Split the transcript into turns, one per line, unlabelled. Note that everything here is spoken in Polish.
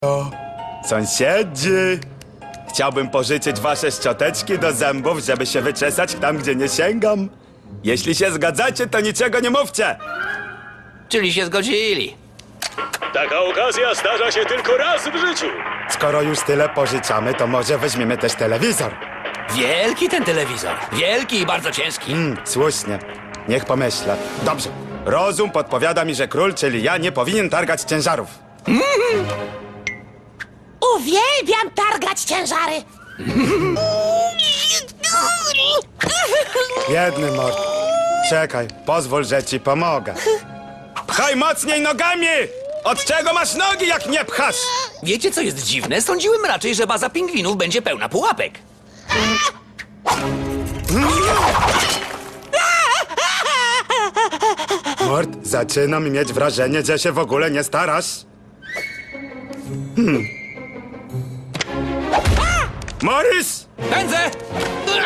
O, sąsiedzi! Chciałbym pożyczyć wasze szczoteczki do zębów, żeby się wyczesać tam, gdzie nie sięgam. Jeśli się zgadzacie, to niczego nie mówcie!
Czyli się zgodzili.
Taka okazja zdarza się tylko raz w życiu.
Skoro już tyle pożyczamy, to może weźmiemy też telewizor.
Wielki ten telewizor. Wielki i bardzo ciężki.
Słusznie. Niech pomyślę. Dobrze. Rozum podpowiada mi, że król, czyli ja, nie powinien targać ciężarów.
Uwielbiam targać ciężary.
Biedny mord. Czekaj, pozwól, że ci pomogę. Pchaj mocniej nogami! Od czego masz nogi, jak nie pchasz?
Wiecie, co jest dziwne? Sądziłem raczej, że baza pingwinów będzie pełna pułapek.
Mord, zaczynam mieć wrażenie, że się w ogóle nie starasz. Morris!
Pędzę!